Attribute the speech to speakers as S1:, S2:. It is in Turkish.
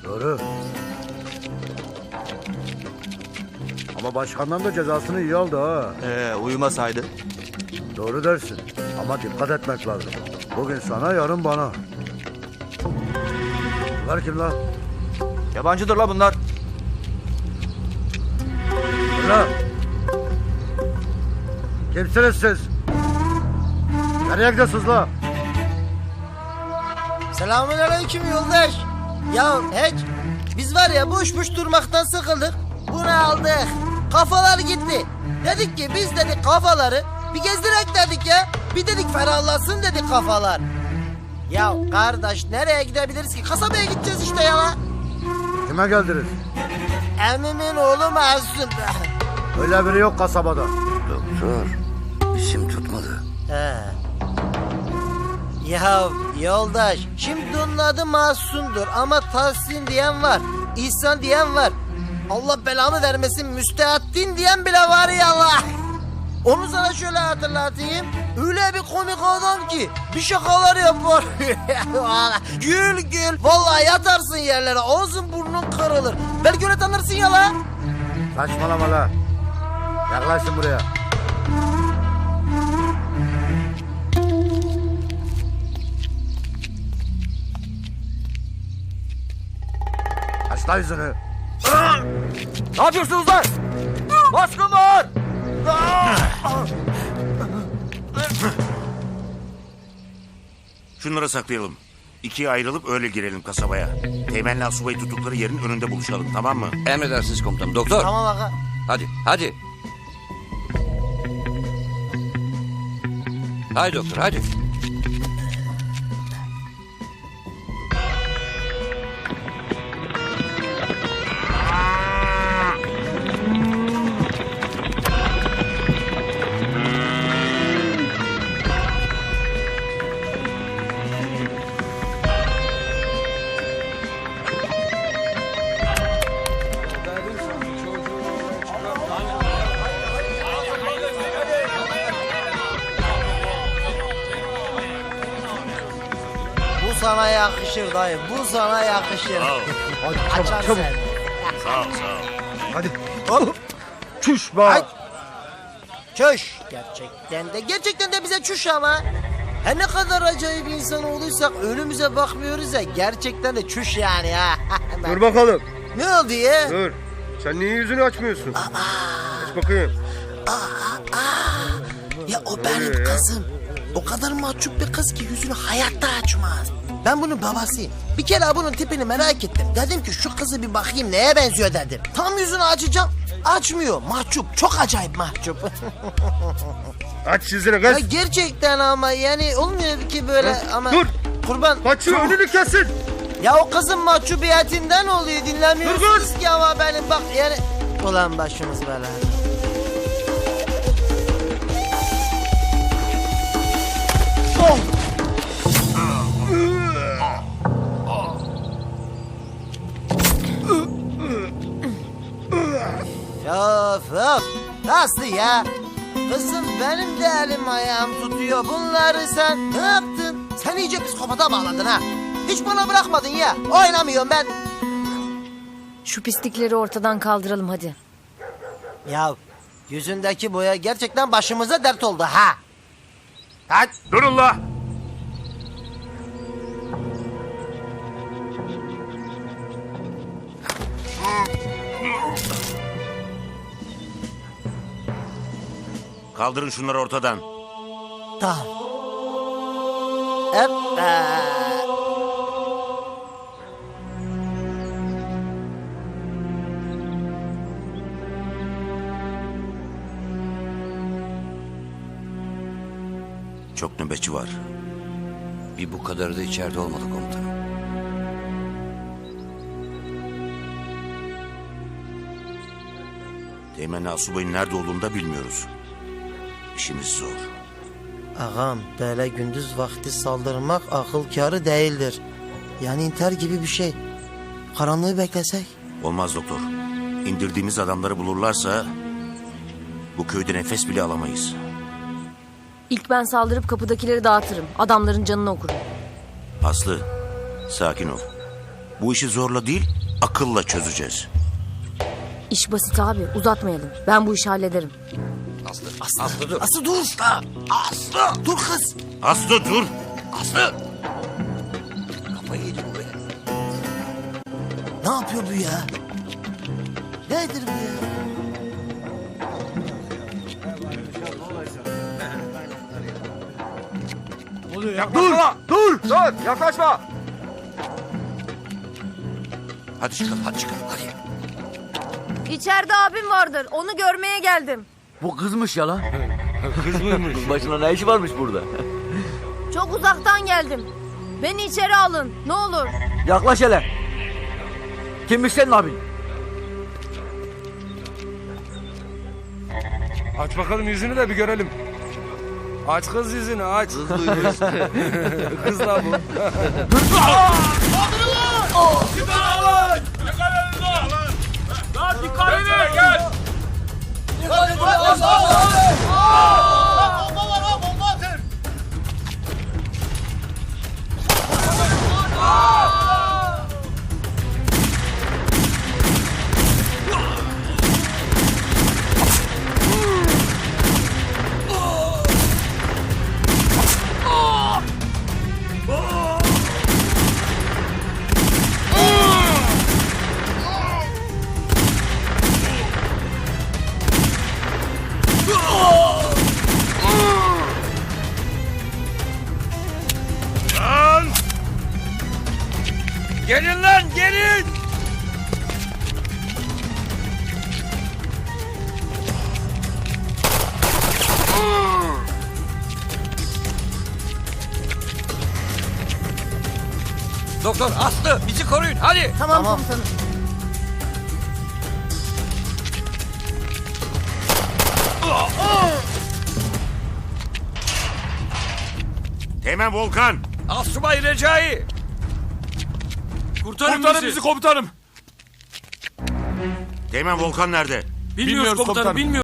S1: Doğru. Ama başkandan da cezasını iyi aldı ha.
S2: Uyumasaydı.
S1: Doğru dersin. Ama dikkat etmek lazım. Bugün sana, yarın bana. Bunlar kim lan?
S2: Yabancıdır la bunlar.
S1: Ulan! Kimsiniz siz? Nereye gidiyorsunuz la?
S3: Selamünaleyküm yoldaş. Ya hiç biz var ya boş boş durmaktan sıkıldık. Bunu aldık. Kafalar gitti. Dedik ki biz dedik kafaları bir gezdirek dedik ya. Bir dedik ferahlasın dedik kafalar. Ya kardeş nereye gidebiliriz ki? Kasabaya gideceğiz işte ya.
S1: Kime geldiniz?
S3: Emmimin oğlu Mahsun.
S1: Öyle biri yok kasabada.
S4: Doktor, isim tutmadı.
S3: He. Ya yoldaş şimdi onun adı Mahsun'dur ama Tahsin diyen var. İhsan diyen var. Allah belamı vermesin Müstehaddin diyen bile var ya Allah. Onu sana şöyle hatırlatayım. Öyle bir komik adam ki bir şakalar yapar. Gül gül. Vallahi yatarsın yerlere ağzın burnun kırılır. Belki öyle tanırsın ya la.
S1: Saçmalama la. Yaklaşın buraya. Aç la yüzünü.
S2: Ne yapıyorsunuz lan? Baskın var.
S5: Şunları saklayalım. İkiye ayrılıp öyle girelim kasabaya. Teğmenle asubayı tuttukları yerin önünde buluşalım, tamam mı?
S4: Emredersiniz komutanım. Doktor,
S3: Tamam aga.
S4: hadi, hadi. Haydi doktor, hadi.
S3: Bu sana yakışır dayı. Bu sana yakışır.
S1: Hadi
S3: Açar
S1: çabuk çabuk.
S3: sen.
S5: Sağ ol, sağ ol.
S1: Hadi.
S3: Hop.
S1: Çüş be.
S3: Ay. Çüş. Gerçekten de bize çüş ama. Her ne kadar acayip insan olursak önümüze bakmıyoruz ya. Gerçekten de çüş yani ha.
S6: Dur bakalım.
S3: Ne oldu ya?
S6: Dur. Sen niye yüzünü açmıyorsun? Aç bakayım.
S3: Ya o benim kızım. O kadar mahcup bir kız ki yüzünü hayatta açmaz. Ben bunun babasıyım. Bir kere bunun tipini merak ettim. Dedim ki şu kızı bir bakayım neye benziyor dedim. Tam yüzünü açacağım. Açmıyor. Mahcup. Çok acayip mahcup.
S6: Aç yüzünü
S3: Ya
S6: kız.
S3: gerçekten ama yani olmuyor ki böyle ama...
S6: Dur.
S3: Kurban.
S6: Kaçıyor, önünü kesin.
S3: Ya o kızın mahcubiyetinden oluyor. Dinlemiyorsunuz ki ama benim bak yani... Ulan başımız belada. Of of. Nasıl ya? Kızım benim de elim ayağım tutuyor. Bunları sen ne yaptın? Sen iyice psikopata bağladın ha. Hiç bana bırakmadın ya. Oynamıyorum ben.
S7: Şu pislikleri ortadan kaldıralım hadi.
S3: Ya yüzündeki boya gerçekten başımıza dert oldu ha. Hadi.
S5: Durun la! Kaldırın şunları ortadan.
S3: Tamam. Evet.
S5: Çok nöbetçi var.
S4: Bir bu kadarı da içeride olmalı komutanım.
S5: Teğmenle asubayın nerede olduğunu da bilmiyoruz. İşimiz zor.
S3: Ağam böyle gündüz vakti saldırmak akıl kârı değildir. Yani intihar gibi bir şey. Karanlığı beklesek.
S5: Olmaz doktor. İndirdiğimiz adamları bulurlarsa... ...bu köyde nefes bile alamayız.
S7: İlk ben saldırıp kapıdakileri dağıtırım. Adamların canını okurum.
S5: Aslı, sakin ol. Bu işi zorla değil, akılla çözeceğiz.
S7: İş basit abi uzatmayalım. Ben bu işi hallederim.
S4: Aslı dur.
S3: Aslı dur. Aslı. Dur kız.
S5: Aslı dur.
S4: Aslı.
S3: Kafayı yedi bu be. Ne yapıyor bu ya? Nedir bu ya?
S2: Dur yaklaşma.
S4: Hadi çıkalım hadi çıkalım hadi.
S7: İçeride abim vardır. Onu görmeye geldim.
S2: Bu kızmış ya lan. Kız mıymış? Başına ne işi varmış burada?
S7: Çok uzaktan geldim. Beni içeri alın. Ne olur.
S2: Yaklaş hele. Kimmiş senin abin?
S6: Aç bakalım yüzünü de bir görelim. Aç kız yüzünü aç. Kız la bu. Gelin lan gelin.
S4: Doktor Aslı bizi koruyun hadi.
S7: Tamam komutanım.
S5: Teğmen Volkan.
S4: Asubay Recai.
S8: Kurtarın bizi komutanım.
S5: Teğmen Volkan nerede?
S8: Bilmiyoruz komutanım. Bilmiyoruz.